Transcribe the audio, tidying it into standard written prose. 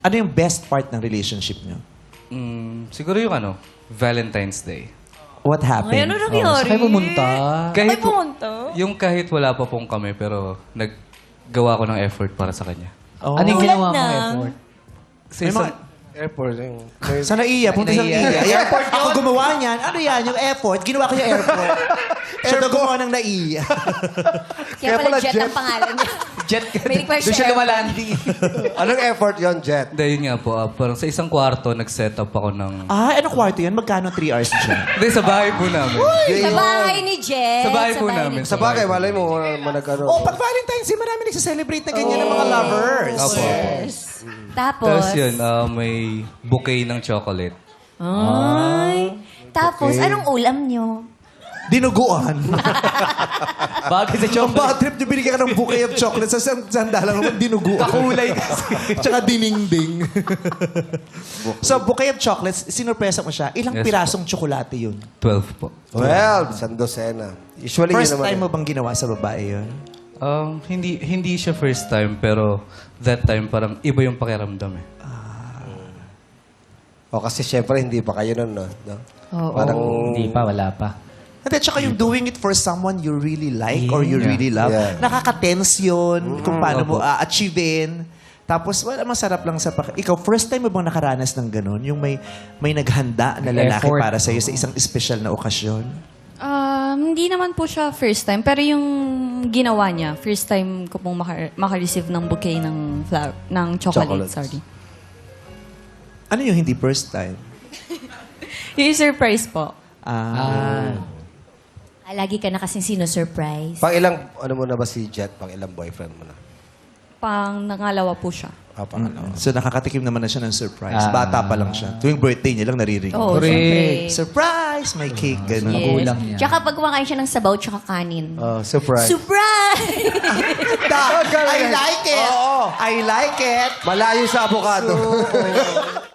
Ano yung best part ng relationship nyo? Siguro yung Valentine's Day. What happened? Ay, ano nangyari? Saan kayo pumunta? Ay, pumunta? Yung kahit wala pa pong kami, pero naggawa ko ng effort para sa kanya. Oh. Ano yung Tulad ginawa mong ng- effort? Sa May isang, mga- Airport. Yung, Sa NAIA, punta sa NAIA. Airport yun. Ako gumawa niyan. Ano yan? Yung effort. Ginawa ko yung airport. Siya daw gumawa ng NAIA. Kaya pala Jet ang pangalan niya. Jet ka. May request Doon siya siya. lumalanding. anong effort yon Jet? Hindi, yun nga po. Parang sa isang kwarto, nag-set up ako ng... Anong kwarto yan? Magkano 3 hours dyan? Hindi, sa bahay po namin. Sa bahay ni Jet. Sa bahay po namin. Sa bagay, malay mo, managano. Oh, pag Valentine's Day, marami nagsiselebrate na ganyan ng mga lovers. Opo. Yes. Tapos, Tapos yun, may bouquet ng chocolate. ay. Tapos, anong ulam niyo? Dinuguan. Bagay sa Ang chocolate. bad trip niyo, binigyan ka ng bouquet of chocolate sa sandalan naman, dinuguan. Kakulay kasi. Tsaka diningding. So, bouquet of chocolates, sinurpresa mo siya. Ilang Yes, pirasong tsokolate yun? 12 po. Well, isang dosena. Usually First yun naman. time mo bang ginawa sa babae yun? Hindi siya first time, pero that time parang iba yung pakiramdam eh. O kasi syempre, hindi pa kayo nun, no? Oo. Parang, Hindi pa, wala pa. At tsaka yung doing it for someone you really like or you Yeah. really love, Yeah. nakaka-tense yun kung paano mo Opo. achievein. Tapos, wala, masarap lang sa Ikaw, first time mo bang nakaranas ng ganun? Yung may naghanda na lalaki Effort. para sa'yo sa isang espesyal na okasyon? Hindi naman po siya first time, pero yung ginawa niya, first time ko pong maka-receive ng bouquet ng chocolate, Chocolates. sorry. Ano yung hindi first time? Yung surprise po. Lagi ka na kasing sino-surprise. pang ilang, ano mo na ba si Jet? Pang ilang boyfriend mo na? Pang nangalawa po siya. Pangalawa. So, nakakatikim naman na siya ng surprise. Bata pa lang siya. Tuwing birthday niya lang naririnig. Oo, Correct. syempre. Surprise! May cake, ganun. Yes. Magulang niya. Tsaka pag kumakain siya ng sabaw tsaka kanin. Surprise. Surprise! I like it! I like it! Malayo sa avocado.